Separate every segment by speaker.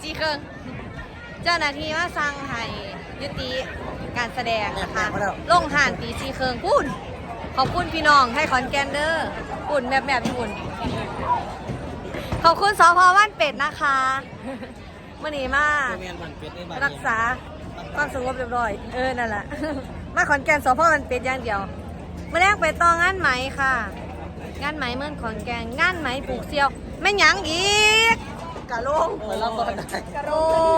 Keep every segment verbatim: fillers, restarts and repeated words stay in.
Speaker 1: จีครึ่งเจ้าหน้าที่มาสั่งให้ยุติการแสดงนะคะลงห่านตีจีครึ่งพูดขอบคุณพี่น้องให้ขอนแกนเดอร์ปุ่นแบบแบบปุ่นขอบคุณสพบ้านเป็ดนะคะเมื่อนี้มารักษาความสงบเรียบร้อยเออนั่นแหละมาขอนแก่นสพบ้านเป็ดอย่างเดียวเมื่อแรกไปต่องานไหมค่ะงานไหมเมื่อขอนแก่นงานไหมปลูกเซียวแม่หยังอีกกะลงไปรับบอลได้กะโล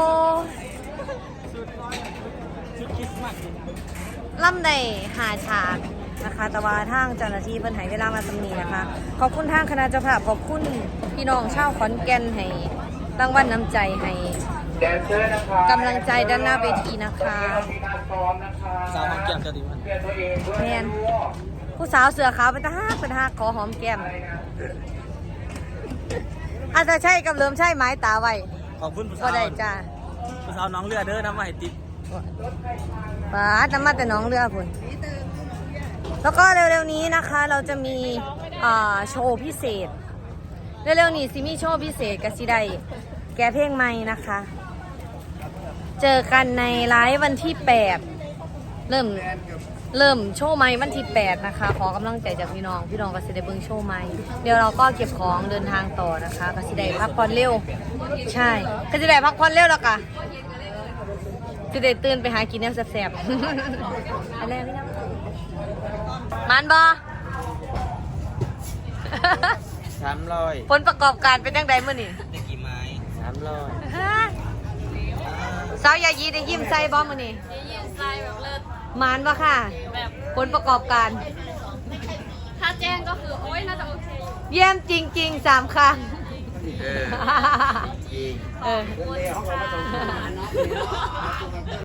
Speaker 1: ล่ำได้หาฉากนะคะแต่ว่าทางเจ้าหน้าที่เพิ่นให้เวลามาตำหนินะคะขอบคุณทางคณะเจ้าภาพขอบคุณพี่น้องชาวขอนแก่นให้รางวัลน้ำใจให้กำลังใจด้านหน้าเวทีนะคะ
Speaker 2: สาวหอมแก้มจะดีมัน
Speaker 1: แมนผู้สาวเสือขาวเป็นตาฮักเป็นตาฮักขอหอมแก้มอาจจะใช่กับเริ่มใช่ไม้ตาไว้
Speaker 2: ขอบคุณผู้สาว
Speaker 1: ก็ได้จ้า
Speaker 2: ผู้สาวน้องเรือเด้อน้ำมาให้ติด
Speaker 1: ป้าน้ำมาแต่น้องเรือพุ่นแล้วก็เร็วๆนี้นะคะเราจะมีโชว์พิเศษเร็วๆนี้ซิมีโชว์พิเศษกับซิได้แกเพลงใหม่นะคะเจอกันในไลฟ์วันที่แปดเริ่มเริ่มโชว์ใหม่วันที่แปดนะคะขอกำลังใจจากพี่น้องพี่น้องก็สิได้เบิ่งโชว์ใหม่เดี๋ยวเราก็เก็บของเดินทางต่อนะคะก็สิได้พักผ่อนเร็วใช่ก็สิได้พักผ่อนเร็วแล้วค่ะสิได้ตื่นไปหากินแนวแซ่บๆอะไรพี่น้องมันบอ
Speaker 2: สามร้อย
Speaker 1: ผลประกอบการเป็นยังไงมื่อนี่
Speaker 2: ได้กี่ไม้สามร้อย
Speaker 1: สาวยายีได้ยิ้มใส่บอมื่อนี่
Speaker 3: ได้ยินทรายแบบเลิศ
Speaker 1: มันปะค่ะ
Speaker 3: แบบ
Speaker 1: ผลประกอบการ
Speaker 3: ถ้าแจ้งก็คือโอ๊ยน่าจะโอเค
Speaker 1: เยี่ยมจริงๆสามครั้ง
Speaker 2: เออจริง
Speaker 1: เออ